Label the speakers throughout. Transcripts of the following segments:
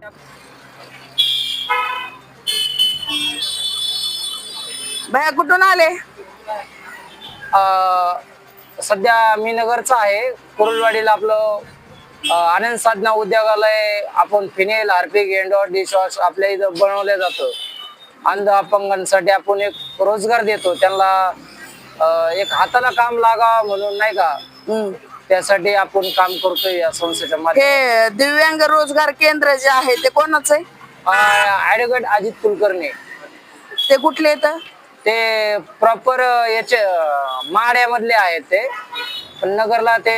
Speaker 1: भैया कुठून आले?
Speaker 2: सध्या मी नगरचा आहे. कुरुलवाडीला आपलं आनंद साधना उद्योगालय आपण फिनेल, हार्पिक, एंडॉट, डिशवॉश आपल्या इथं बनवलं जातं. अंध अपंगांसाठी आपण एक रोजगार देतो त्यांना, एक हाताला काम लागा म्हणून नाही का, त्यासाठी आपण काम करतोय या संस्थेच्या माध्यमातून.
Speaker 1: हे दिव्यांग रोजगार केंद्र जे आहे ते कोणाचं आहे?
Speaker 2: ऍडव्होकेट अजित कुलकर्णी.
Speaker 1: ते कुठले येतं?
Speaker 2: ते प्रॉपर याचे माड्यामधले आहेत ते, पण नगरला ते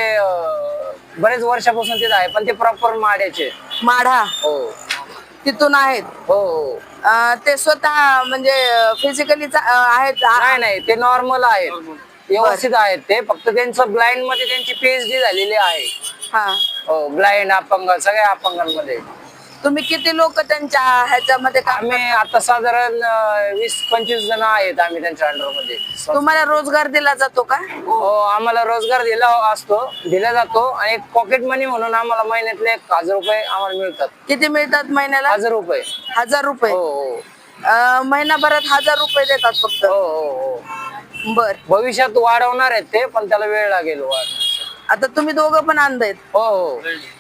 Speaker 2: बरेच वर्षापासून तिथे आहे, पण ते प्रॉपर माड्याचे.
Speaker 1: माढा
Speaker 2: हो
Speaker 1: तिथून आहेत?
Speaker 2: हो हो.
Speaker 1: ते स्वतः म्हणजे फिजिकली आहेत?
Speaker 2: नाही नाही, ते नॉर्मल आहेत, व्यवस्थित आहेत ते. फक्त त्यांचं ब्लाइंड मध्ये त्यांची PhD झालेली आहे.
Speaker 1: हा.
Speaker 2: हो, ब्लाइंड, अपंग, सगळ्या अपंगांमध्ये.
Speaker 1: तुम्ही किती लोक त्यांच्या ह्याच्यामध्ये काम
Speaker 2: आम्ही आता साधारण 20-25 जण आहेत आम्ही त्यांच्या अंडर मध्ये.
Speaker 1: तुम्हाला रोजगार दिला जातो का?
Speaker 2: हो, आम्हाला रोजगार दिला जातो आणि एक पॉकेट मनी म्हणून आम्हाला महिन्यातले 1000 रुपये आम्हाला मिळतात.
Speaker 1: किती मिळतात महिन्याला?
Speaker 2: 1000 रुपये.
Speaker 1: 1000 रुपये?
Speaker 2: हो हो.
Speaker 1: महिनाभरात 1000 रुपये देतात फक्त?
Speaker 2: हो हो हो.
Speaker 1: बर.
Speaker 2: भविष्यात वाढवणार आहेत ते, पण त्याला वेळ लागेल
Speaker 1: आता तुम्ही दोघं पण अंध आहेत?
Speaker 2: हो हो.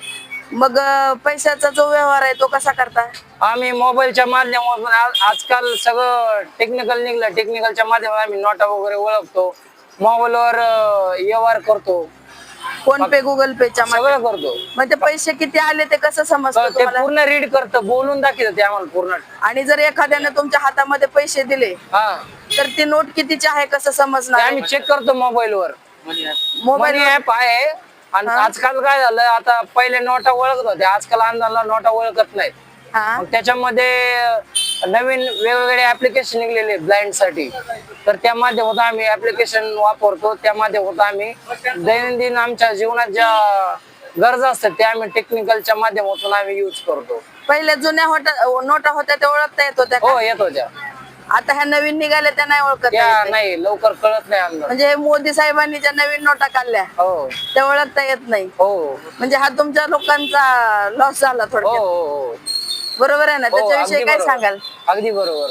Speaker 1: मग पैशाचा जो व्यवहार आहे तो कसा करता?
Speaker 2: आम्ही मोबाईलच्या माध्यमातून आजकाल सगळं टेक्निकल निघलं. टेक्निकलच्या माध्यमातून आम्ही नोटा वगैरे ओळखतो, मोबाईलवर व्यवहार करतो,
Speaker 1: फोन पे, गुगल पेच्या
Speaker 2: सगळं करतो.
Speaker 1: मग ते पैसे किती आले ते कसं समजतं
Speaker 2: ते
Speaker 1: तुम्हाला?
Speaker 2: पूर्ण रीड करतं, बोलून दाखवतं ते आम्हाला पूर्ण.
Speaker 1: आणि जर एखाद्याने तुमच्या हातामध्ये पैसे दिले
Speaker 2: हा,
Speaker 1: तर ती नोट कितीची आहे कसं
Speaker 2: ते
Speaker 1: समजणार?
Speaker 2: आम्ही चेक करतो मोबाईलवर.
Speaker 1: मोबाईल
Speaker 2: ऍप आहे. आणि आजकाल काय झालं, आता पहिले नोटा ओळखत होते, आजकाल अंधाला नोटा ओळखत नाहीत.
Speaker 1: हा.
Speaker 2: मग त्याच्यामध्ये नवीन वेगवेगळे ऍप्लिकेशन निघलेले ब्लाइंड साठी, तर त्या माध्यमातून आम्ही ऍप्लिकेशन वापरतो. त्या माध्यमातून आम्ही दैनंदिन आमच्या जीवनात ज्या गरजा असतात त्या आम्ही टेक्निकलच्या माध्यमातून आम्ही युज करतो.
Speaker 1: पहिल्या जुन्या नोटा होत्या त्या ओळखता येत होत्या
Speaker 2: हो,
Speaker 1: का?
Speaker 2: येत होत्या.
Speaker 1: आता ह्या नवीन निघाल्या त्या नाही ओळखता
Speaker 2: त्या
Speaker 1: येत?
Speaker 2: नाही, लवकर कळत नाही अंदाज.
Speaker 1: म्हणजे हे मोदी साहेबांनी ज्या नवीन नोटा काढल्या
Speaker 2: हो
Speaker 1: त्या ओळखता येत नाही?
Speaker 2: हो
Speaker 1: म्हणजे हा तुमच्या लोकांचा लॉस झाला
Speaker 2: हो
Speaker 1: थोडक्यात.
Speaker 2: हो.
Speaker 1: बरोबर आहे ना?
Speaker 2: हो,
Speaker 1: त्याच्याविषयी
Speaker 2: अगदी
Speaker 1: काय
Speaker 2: बरोबर.
Speaker 1: सांगाल?
Speaker 2: अगदी बरोबर.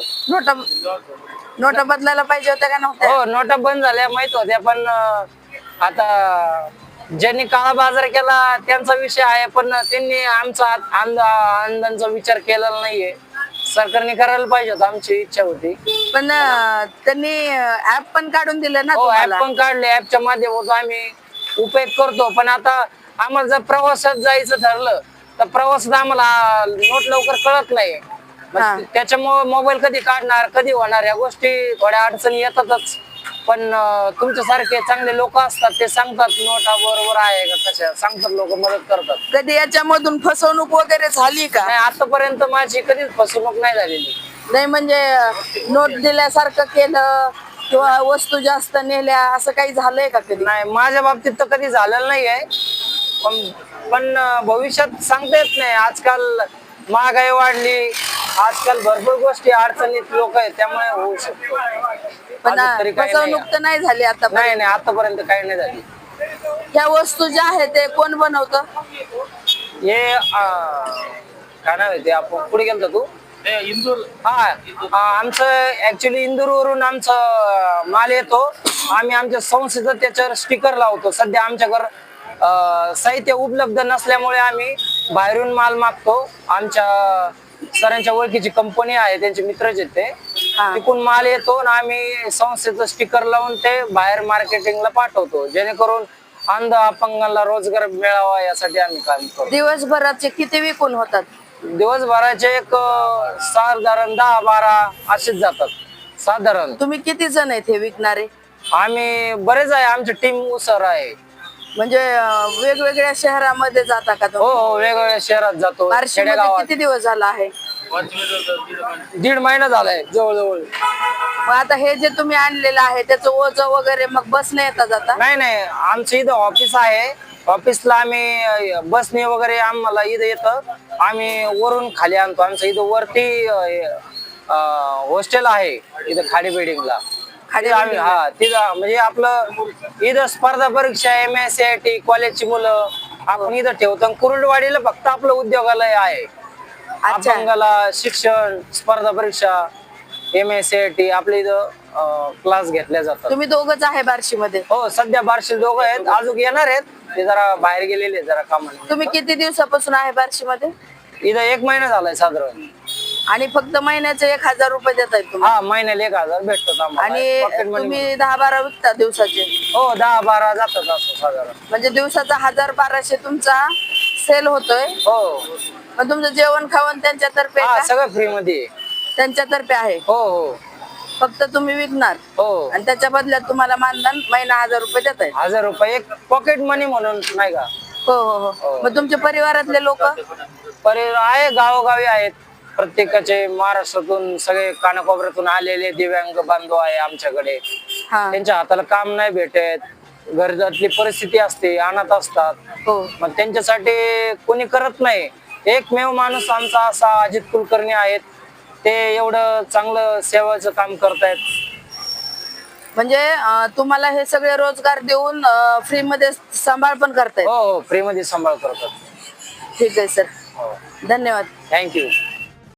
Speaker 1: नोटा बदलायला पाहिजे होत्या का नव्हत्या?
Speaker 2: हो, नोटा बंद झाल्या माहित होत्या, पण आता ज्यांनी काळा बाजार केला त्यांचा विषय आहे, पण त्यांनी आमचा अंधांचा विचार केलेला नाहीये. सरकारने करायला पाहिजे होतं, आमची इच्छा होती.
Speaker 1: पण त्यांनी ऍप पण काढून दिलं ना
Speaker 2: हो, ऍप
Speaker 1: तुम्हाला?
Speaker 2: पण काढले. ऍपच्या माध्यमातून आम्ही उपयोग करतो, पण आता आम्हाला जर प्रवासात जायचं ठरलं तर प्रवासात आम्हाला नोट लवकर कळत नाही.
Speaker 1: हा.
Speaker 2: त्याच्यामुळे मोबाईल कधी काढणार, कधी होणार, या गोष्टी थोड्या अडचणी येतातच. पण तुमच्यासारखे चांगले लोक असतात, ते सांगतात नोटा बरोबर आहे का, कशा सांगतात, लोक मदत करतात.
Speaker 1: कधी याच्यामधून फसवणूक वगैरे झाली का?
Speaker 2: नाही, आतापर्यंत माझी कधीच फसवणूक नाही झालेली.
Speaker 1: नाही म्हणजे नोट दिल्यासारखं केलं किंवा वस्तू जास्त नेल्या असं काही झालंय का कधी?
Speaker 2: नाही, माझ्या बाबतीत तर कधी झालेलं नाहीये. पण भविष्यात सांगता येत नाही. आजकाल महागाई वाढली, आजकाल भरपूर गोष्टी अडचणीत लोक आहेत, त्यामुळे होऊ शकतो.
Speaker 1: पण
Speaker 2: अजून तरी काही
Speaker 1: फसवणूक तर नाही झाली आता?
Speaker 2: नाही नाही, आतापर्यंत काही नाही झाली.
Speaker 1: ह्या वस्तू ज्या आहेत ते कोण बनवतं?
Speaker 2: हे काय नाव आहे ते, आपण पुढे गेलतो तू? इंदूर. हा, आमचं ऍक्च्युली इंदूर वरून आमचं माल येतो. आम्ही आमच्या संस्थेचं त्याच्यावर स्टिकर लावतो. सध्या आमच्याकडे साहित्य उपलब्ध नसल्यामुळे आम्ही बाहेरून माल मागतो. आमच्या सरांच्या ओळखीची कंपनी आहे, त्यांचे मित्रच आहेत ते. तिकडून माल येतो आणि आम्ही संस्थेचं स्टिकर लावून ते बाहेर मार्केटिंगला पाठवतो, जेणेकरून अंध अपंगांना रोजगार मिळावा यासाठी आम्ही काम करतो.
Speaker 1: दिवसभराचे किती विकून होतात?
Speaker 2: दिवसभराचे एक साधारण 10-12 असेच जातात साधारण.
Speaker 1: तुम्ही किती जण आहेत हे विकणारे?
Speaker 2: आम्ही बरेच आहे, आमची टीम उसर आहे.
Speaker 1: म्हणजे वेगवेगळ्या शहरामध्ये जाता का
Speaker 2: हो
Speaker 1: तुम्ही?
Speaker 2: हो, वेगवेगळ्या शहरात जातो.
Speaker 1: बार्शीमध्ये किती दिवस झाला आहे?
Speaker 2: 1.5 महिना झालाय जवळजवळ.
Speaker 1: मग आता हे जे तुम्ही आणलेलं आहे त्याचं ओझं वगैरे मग बसने येता जाता?
Speaker 2: नाही नाही, आमचं इथं ऑफिस आहे. ऑफिसला आम्ही बसने वगैरे आम्हाला इथं येतं, आम्ही वरून खाली आणतो. आमचं इथं वरती हॉस्टेल आहे इथं खाडी बिल्डिंगला. आम्ही हा तिथं म्हणजे आपलं इथं स्पर्धा परीक्षा, MSCIT कॉलेजची मुलं आपण इथं ठेवतो. कुरुलवाडीला फक्त आपलं उद्योगालय आहे.
Speaker 1: अच्छा.
Speaker 2: अपंगाला शिक्षण, स्पर्धा परीक्षा, MSCIT आपल्या इथं क्लास घेतल्या जातात.
Speaker 1: तुम्ही दोघच आहे बार्शी मध्ये?
Speaker 2: हो, सध्या बार्शी दोघं आहेत, अजून येणार आहेत, ते जरा बाहेर गेलेले आहेत जरा कामाने.
Speaker 1: तुम्ही किती दिवसापासून आहे बार्शी मध्ये?
Speaker 2: इथं 1 महिना झालाय साधारण.
Speaker 1: आणि फक्त महिन्याचे 1,000 रुपये देताय तुम्ही?
Speaker 2: हा, महिन्याला 1,000 भेटतात आम्हाला.
Speaker 1: आणि
Speaker 2: Pocket money
Speaker 1: तुम्ही 10-12 विकता दिवसाचे?
Speaker 2: हो, 10-12 जातात असं साधारण.
Speaker 1: म्हणजे दिवसाचा 1,000-1,200 तुमचा सेल होतोय.
Speaker 2: हो,
Speaker 1: पण तुमचं जेवण खावण त्यांच्यातर्फे आहे
Speaker 2: हा,
Speaker 1: का?
Speaker 2: सगळं फ्री मध्ये आहे.
Speaker 1: त्यांच्यातर्फे आहे,
Speaker 2: हो हो
Speaker 1: फक्त तुम्ही विकणार
Speaker 2: हो.
Speaker 1: आणि त्याच्या बदल्यात तुम्हाला मानधन महिना 1,000 रुपये देत आहे?
Speaker 2: 1,000 रुपये एक पॉकेट मनी म्हणून, नाही का?
Speaker 1: हो हो हो. मग तुमच्या परिवारातले लोक?
Speaker 2: परिवार आहे, गावोगावी आहेत, प्रत्येकाचे महाराष्ट्रातून सगळे कानाकोपऱ्यातून आलेले दिव्यांग बांधव आहे आमच्याकडे.
Speaker 1: हा.
Speaker 2: त्यांच्या हाताला काम नाही भेटत, घरातली परिस्थिती असते, अनाथ असतात,
Speaker 1: हो.
Speaker 2: मग त्यांच्यासाठी कोणी करत नाही. एकमेव माणूस आमचा असा अजित कुलकर्णी आहेत, ते एवढं चांगलं सेवाचं काम करतायत.
Speaker 1: म्हणजे तुम्हाला हे सगळे रोजगार देऊन फ्री मध्ये सांभाळ पण करतायत?
Speaker 2: हो हो, फ्री मध्ये सांभाळ करतात.
Speaker 1: ठीक आहे सर,
Speaker 2: हो,
Speaker 1: धन्यवाद.
Speaker 2: थँक्यू.